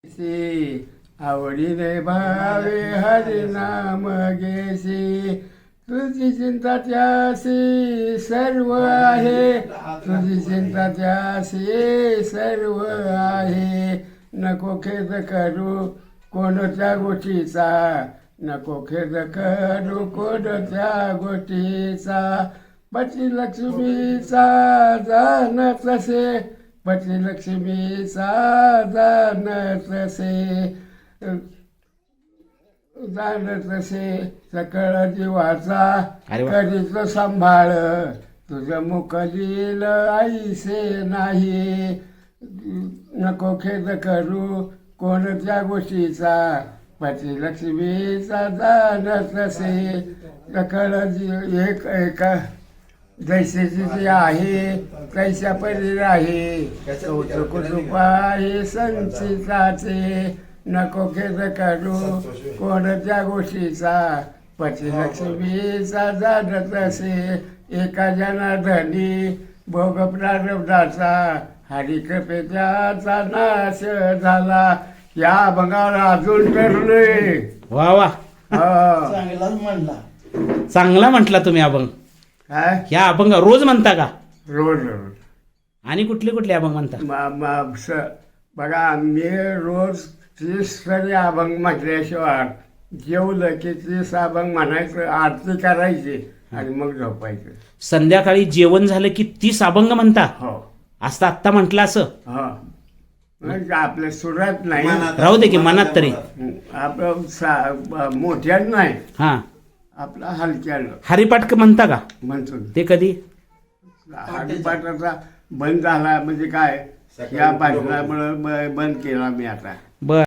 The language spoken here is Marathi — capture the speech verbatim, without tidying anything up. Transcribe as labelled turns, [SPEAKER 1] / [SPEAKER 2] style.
[SPEAKER 1] सी आवडीने भावे हरिनाम घेसी तुझी चिंता त्यासी सर्व आहे तुझी चिंता त्यासी सर्व आहे नको खेद करू कोणत्या गोष्टीचा नको खेद करू कोणत्या गोष्टीचा पती लक्ष्मीचा जाण तसे पती लक्ष्मीचा जाण तसे जाण तसे सकळ जीवाचा करीत सांभाळ तुझं मुख लिहिल आईसे नाही नको खेद करू कोणत्या गोष्टीचा पती लक्ष्मीचा जाण तसे सकळ जी एक एका जैसेची जी आहे कैशा परी आहे कौतुक कृपा आहे संचिताचे नको खेद करू कोणत्या गोष्टीचा पती लक्ष्मीचा जाणत असे एका जनार्दनी भोग प्रारब्धाचा हरिकृपे त्याचा नाश झाला या अभंगावर अजून ठरले.
[SPEAKER 2] वा वा
[SPEAKER 3] चांगलाच म्हणला.
[SPEAKER 2] चांगला म्हटला तुम्ही अभंग.
[SPEAKER 1] काय
[SPEAKER 2] ह्या अभंग रोज म्हणता का?
[SPEAKER 1] रोज रोज
[SPEAKER 2] आणि कुठले कुठले अभंग म्हणता?
[SPEAKER 1] म- म- स- बघा मी रोज तीस तरी अभंग म्हटल्याशिवाय जेवलं की तीस अभंग म्हणायचं आरती करायची आणि मग झोपायचं.
[SPEAKER 2] संध्याकाळी जेवण झालं की तीस अभंग म्हणता?
[SPEAKER 1] हो
[SPEAKER 2] असं आत्ता म्हटलं असं?
[SPEAKER 1] हो म्हणजे आपल्या सुरात नाही
[SPEAKER 2] राहू दे की मनात तरी.
[SPEAKER 1] आपलं सा- मोठ्यात नाही
[SPEAKER 2] हा
[SPEAKER 1] आपला हलक्यानं
[SPEAKER 2] हरिपाठ म्हणता का?
[SPEAKER 1] म्हणतो.
[SPEAKER 2] ते कधी?
[SPEAKER 1] हरिपाठाचा बंद झाला म्हणजे काय या भाषणामुळे ब- बंद केला मी आता.
[SPEAKER 2] बर